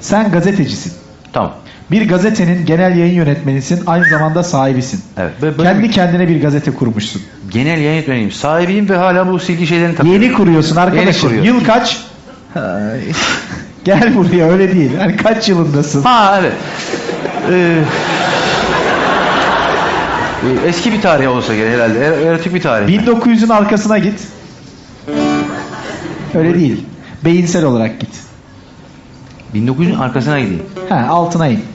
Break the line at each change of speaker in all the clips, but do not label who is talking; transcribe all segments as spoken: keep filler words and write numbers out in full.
Sen gazetecisin.
Tamam.
Bir gazetenin genel yayın yönetmenisin, aynı zamanda sahibisin.
Evet. Böyle
Kendi
bir...
kendine bir gazete kurmuşsun.
Genel yayın yönetmeniyim. Sahibiyim ve hala bu silgi şeylerini takıyorum.
Yeni kuruyorsun arkadaşım.
Yeni kuruyorum.
Yıl kaç? Gel buraya, öyle değil. Yani kaç yılındasın?
Ha evet. Ee, eski bir tarih olsa gerek herhalde. Er, erotik bir tarih.
bin dokuz yüzün arkasına git. Öyle değil. Beyinsel olarak git.
bin dokuz yüzün arkasına gideyim.
Ha, altına in.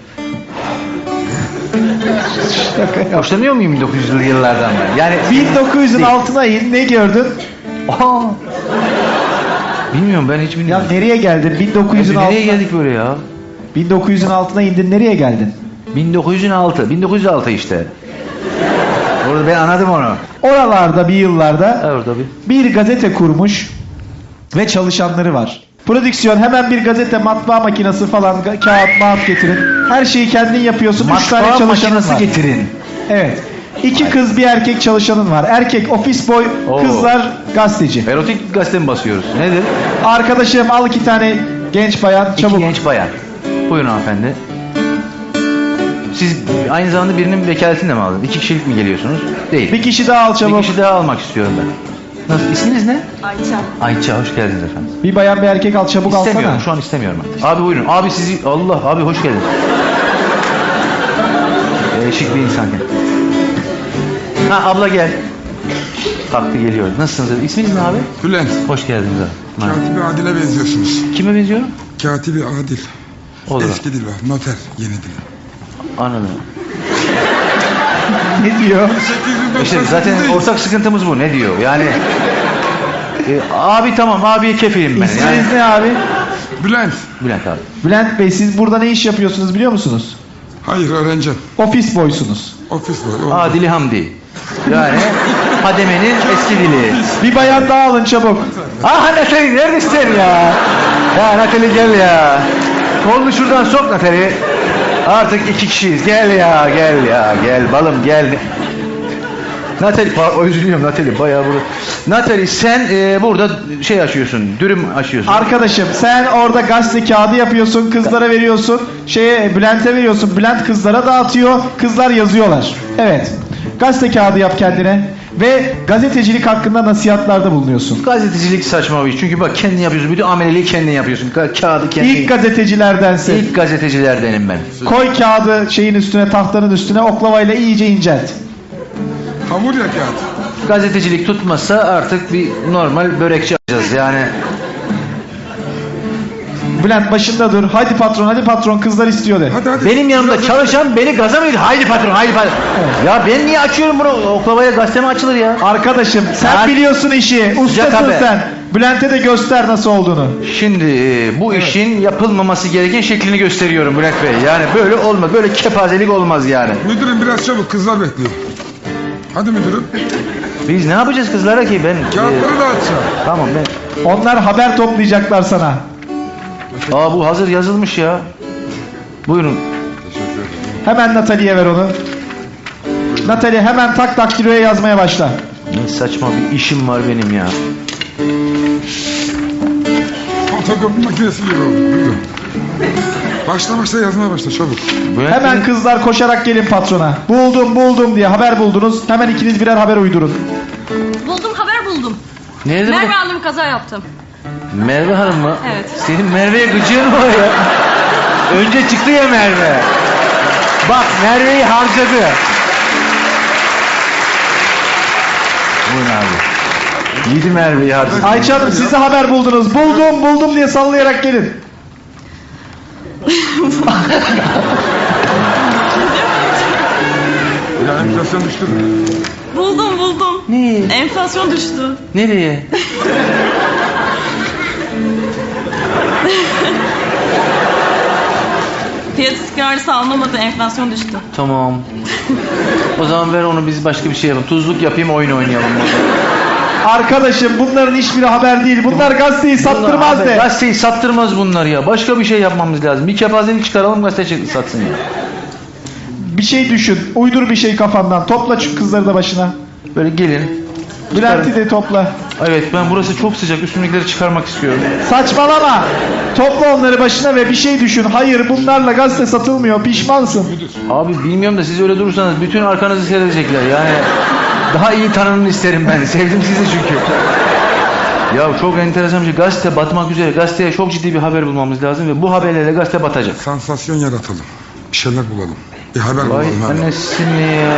Hoşlanıyor muyum bin dokuz yüzlü yıllardan ben? Yani
bin dokuz yüzün
değil.
altına in, ne gördün?
Aa. Bilmiyorum, ben hiç bilmiyorum.
Ya nereye geldin? bin dokuz yüzün
Ya,
altına...
nereye geldik böyle ya?
bin dokuz yüzün altına indin, nereye geldin?
bin dokuz yüz altı. bin dokuz yüz altı işte. Orada ben anladım onu.
Oralarda bir yıllarda
Evet tabii.
bir gazete kurmuş ve çalışanları var. Prodüksiyon, hemen bir gazete, matbaa makinesi falan, ga- kağıt, mağat getirin. Her şeyi kendin yapıyorsun. Üç tane
Matbaa
çalışanın
makinesi
var.
getirin.
Evet. İki kız bir erkek çalışanın var. Erkek ofis boy,
Oo.
kızlar gazeteci.
Erotik gazete mi basıyoruz? Nedir?
Arkadaşım al iki tane genç bayan, çabuk.
İki genç bayan. Buyurun hanımefendi. Siz aynı zamanda birinin vekaletini de mi aldınız? İki kişilik mi geliyorsunuz? Değil.
Bir kişi daha al çabuk.
Bir kişi daha almak istiyorum ben. Nasıl? İsminiz ne?
Ayça.
Ayça, hoş geldiniz efendim.
Bir bayan bir erkek al çabuk, alsana.
İstemiyorum, şu an istemiyorum ben. Abi buyurun. Abi sizi... Allah, abi hoş geldiniz. Ee, şık bir insan gel. Ha abla gel. Kalktı geliyor. Nasılsınız? İsminiz ne abi?
Bülent,
Hoş geldiniz abi. Merhaba.
Katibi Adil'e benziyorsunuz.
Kime benziyorum?
Katibi Adil.
Olur.
Eski dil var, noter, yeni dil.
Anladım.
Ne diyor?
İşte zaten ortak sıkıntımız bu. Ne diyor? Yani... e, abi tamam, abiye kefilim ben.
İsminiz
Yani...
ne abi?
Bülent,
Bülent abi.
Bülent Bey, siz burada ne iş yapıyorsunuz biliyor musunuz?
hayır öğrenci.
Ofis boysunuz.
Ofis boy.
Adili Hamdi. Yani Hademe'nin eski dili.
Bir bayan daha alın çabuk.
Ah Natali neredesin ya? Ya Natali gel ya. Kolunu şuradan sok Natali. Artık iki kişiyiz. Gel ya, gel ya, gel balım gel. Natali, özür diliyorum Natali, bayağı burada. Natali sen e, burada şey açıyorsun, dürüm açıyorsun.
Arkadaşım sen orada gazete kağıdı yapıyorsun, kızlara veriyorsun, şeye Bülent'e veriyorsun, Bülent kızlara dağıtıyor, kızlar yazıyorlar. Evet. Gazete kağıdı yap kendine ve gazetecilik hakkında nasihatlarda bulunuyorsun.
Gazetecilik saçma bir iş. Çünkü bak kendin yapıyorsun, bütün ameleliği kendin yapıyorsun. Ka- kağıdı kendin.
İlk gazetecilerdensin.
İlk gazetecilerdenim ben.
Koy kağıdı şeyin üstüne, tahtanın üstüne, oklavayla iyice incelt.
Hamur ya kağıt.
Gazetecilik tutmazsa artık bir normal börekçi açacağız yani.
Bülent başında dur. Hadi patron, hadi patron, kızlar istiyor de.
Hadi hadi.
Benim yanımda
Biraz-
çalışan beni gaza mı ediyor? Haydi patron, haydi patron.
Evet.
Ya ben niye açıyorum bunu? Oklavaya gazete mi açılır ya?
Arkadaşım sen
Ben-
biliyorsun işi. Ustasın
haber.
sen. Bülent'e de göster nasıl olduğunu.
Şimdi e, bu işin yapılmaması gereken şeklini gösteriyorum Bülent Bey. Yani böyle olmaz. Böyle kepazelik olmaz yani.
Müdürüm biraz çabuk, kızlar bekliyor. Hadi müdürüm.
Biz ne yapacağız kızlara ki ben?
Kağıtları
e,
dağıtacağım.
tamam ben.
Onlar haber toplayacaklar sana.
Aa bu hazır yazılmış ya. Buyurun.
Hemen Natalie'ye ver onu. Natalie hemen tak daktiloya yazmaya başla.
Ne saçma bir işim var benim ya.
Fotokopi makinesi gibi oldu. Buyurun. Başla başla yazmaya başla çabuk.
Bülent
Hemen
Bey-
kızlar koşarak gelin patrona. Buldum buldum diye haber buldunuz. Hemen ikiniz birer haber uydurun.
Buldum, haber buldum.
Nerede bu?
Merve Hanım kaza yaptım.
Merve Hanım mı?
Evet.
Senin Merve'ye gıcığın mı var ya? Önce çıktı ya Merve. Bak Merve'yi harcadı. Buyurun abi. Yedi Merve'yi harcadı.
Ayça Hanım siz de haber buldunuz. Buldum buldum diye sallayarak gelin.
Ya enflasyon düştü mü?
Buldum, buldum.
Ne?
Enflasyon düştü.
Nereye?
Fiyat istikrarlısı anlamadı, enflasyon düştü.
Tamam. O zaman ver onu, biz başka bir şey yapalım. Tuzluk yapayım, oyun oynayalım.
Arkadaşım bunların hiçbiri haber değil. Bunlar gazeteyi sattırmaz
Bunlar-
de.
Gazeteyi sattırmaz bunlar ya. Başka bir şey yapmamız lazım. Bir kepazelik çıkaralım, gazete çık- satsın ya.
Bir şey düşün. Uydur bir şey kafandan. Topla şu kızları da başına.
Böyle gelin.
Bülent'i de topla.
Evet, ben burası çok sıcak. Üstümdekileri çıkarmak istiyorum.
Saçmalama. Topla onları başına ve bir şey düşün. Hayır, bunlarla gazete satılmıyor. Pişmansın.
Abi bilmiyorum da siz öyle durursanız bütün arkanızı seyredecekler. Yani daha iyi tanının isterim ben. Sevdim sizi çünkü. Ya çok enteresan bir şey. Gazete batmak üzere. Gazeteye çok ciddi bir haber bulmamız lazım ve bu haberlerle gazete batacak.
Sansasyon yaratalım. Bir şeyler bulalım. Bir haber
Vay
bulalım. Haber.
annesini ya.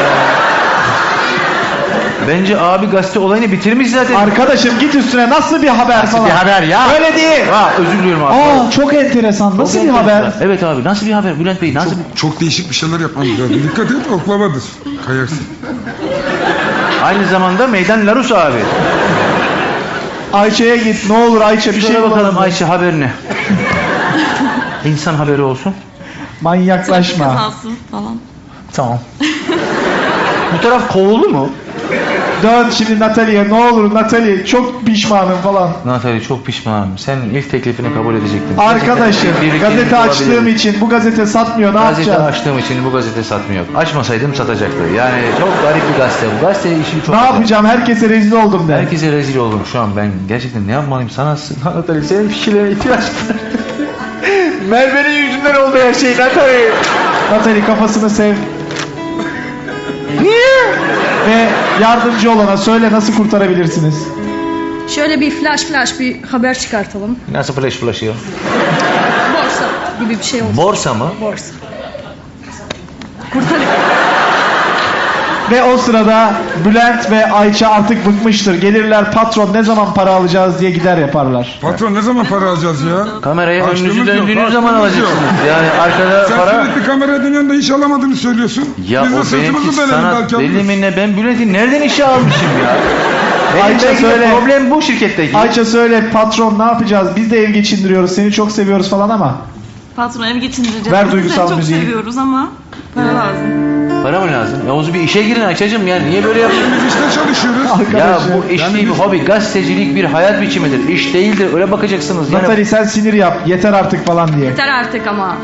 Bence abi gazete olayını bitirmiş zaten.
Arkadaşım git üstüne, nasıl bir haber
Nasıl
falan.
bir haber ya?
Öyle değil.
Aa, özür diliyorum abi.
Aa, çok enteresan. Nasıl bir haber?
Evet abi, nasıl bir haber Bülent Bey? Nasıl bir...
Çok, çok değişik bir şeyler yapmamız lazım. Dikkat et, oklavadır. Kayarsın.
Aynı zamanda Meydan Larus abi.
Ayça'ya git. Ne olur Ayça, bir şey
Şöyle bakalım
bulalım.
Ayşe haber ne? İnsan haberi olsun.
Manyaklaşma.
Kazası falan.
Tamam. Bu taraf kovuldu mu?
Dön şimdi Natalie'ye, ne olur Natalie, çok pişmanım falan.
Natalie çok pişmanım. Senin ilk teklifini kabul edecektim.
Arkadaşım,
Birlikte
gazete açtığım
bulabilirim.
için bu gazete satmıyor, ne
Gazete
yapacağız?
açtığım için bu gazete satmıyor. Açmasaydım satacaktı. Yani çok garip bir gazete bu. Gazete işi çok...
Ne yapacağım? Herkese rezil oldum de.
Herkese rezil oldum şu an. Ben gerçekten ne yapmalıyım? Sana, Natalie, senin fikirlerine ihtiyaç var. Merve'nin yüzünden oldu her şey Natalie.
Natalie, kafasını sev.
Niye?
Ve yardımcı olana söyle, nasıl kurtarabilirsiniz?
Şöyle bir flash flash bir haber çıkartalım.
Nasıl flash flash ya?
Borsa gibi bir şey olsun.
Borsa mı?
Borsa. Kurtarın.
Ve o sırada Bülent ve Ayça artık bıkmıştır. Gelirler, patron ne zaman para alacağız diye gider yaparlar.
Patron ne zaman para alacağız ya?
Kamerayı
Açtığımız
önünüzü
yok,
döndüğünüz zaman
açtığımız yok.
alacaksınız. Yani arkada
Sen
para...
sürekli kameraya dönüyorsun da iş alamadığını söylüyorsun.
Ya
Biz de
o
sırtımızı
benimki
dönelim
sanat
belki
deli
alırız.
mi ne? Ben Bülent'i nereden işe almışım ya? Benim
Ayça
belki de
söyle.
problem bu şirketteki.
Ayça söyle, patron ne yapacağız? Biz de ev geçindiriyoruz, seni çok seviyoruz falan ama.
Patron ev geçindireceğiz.
Ver
Biz de
duygusal
çok
müziği.
seviyoruz ama para lazım.
Para mı lazım? Ya o zaman bir işe girin Ayça'cığım ya. Niye böyle yapıyorsun?
Biz işte çalışıyoruz.
Ya
Arkadaşım.
bu iş değil, bir hobi. Gazetecilik bir hayat biçimidir. İş değildir. Öyle bakacaksınız. Yani
Natalie sen sinir yap, yeter artık falan diye.
Yeter artık ama.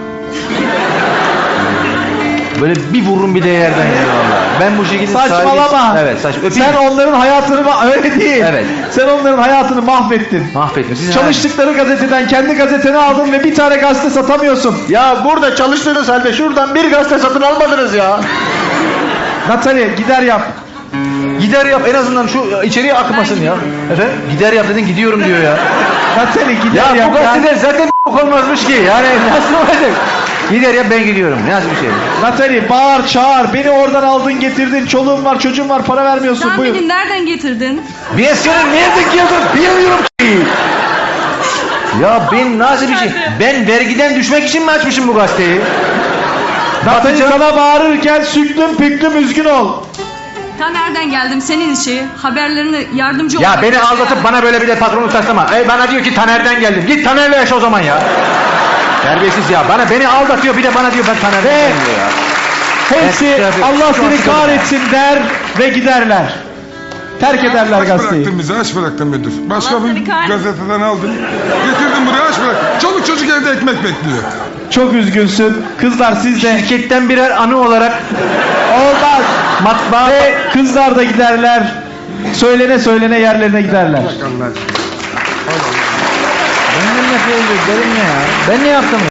böyle bir vururum bir de yerden yani valla. Ben bu şekilde
Saçmalama.
sahibi- Evet saç. Öpeyim.
Sen onların hayatını ma- öyle değil.
Evet.
Sen onların hayatını mahvettin.
Mahvettim. Sizin
Çalıştıkları gazeteden kendi gazeteni aldın ve bir tane gazete satamıyorsun.
Ya burada çalıştığınız halde şuradan bir gazete satın almadınız ya.
Natalie gider yap.
Gider yap en azından şu içeriye akmasın ya. Efendim? Gider yap dedin gidiyorum diyor ya.
Natalie gider
Ya
yap.
bu gazeteler zaten olmazmış ki. Yani nasıl olacak? Gider yap ben gidiyorum. Nasıl bir şey?
Natalie bağır çağır. Beni oradan aldın getirdin. Çoluğum var çocuğum var para vermiyorsun.
Sen
Buyur.
beni nereden getirdin?
Ben senin nereden geldim bilmiyorum ki. Ya ben nasıl bir şey? Ben vergiden düşmek için mi açmışım bu gazeteyi?
Natalie sana bağırırken süklüm püklüm üzgün ol.
Ta nereden geldim senin işi? Haberlerini yardımcı
Ya
olarak-
beni aldatıp bana böyle bir de patronluk taslama. Ey bana diyor ki Taner'den geldim. Git Taner'le yaşa o zaman ya. Terbiyesiz ya. Bana beni aldatıyor bir de bana diyor ben Taner'den
Ve-
geldim diyor ya.
Hepsi
Evet, tabii.
Allah
Şu
seni
an
kahretsin der ve giderler. Terk ederler
Aç
gazeteyi.
bıraktın bizi, aç bıraktın müdür. Başka
Allah
bir
seni kahretsin.
gazeteden aldın. Getirdin buraya, aç bırak. Çoluk çocuk evde ekmek bekliyor.
Çok üzgünsün. Kızlar siz de
Şirketten birer anı olarak
olmaz.
matbaa
Ve kızlar da giderler. Söylene söylene yerlerine giderler.
Ben ne yapıyorum? Ben ne yaptım?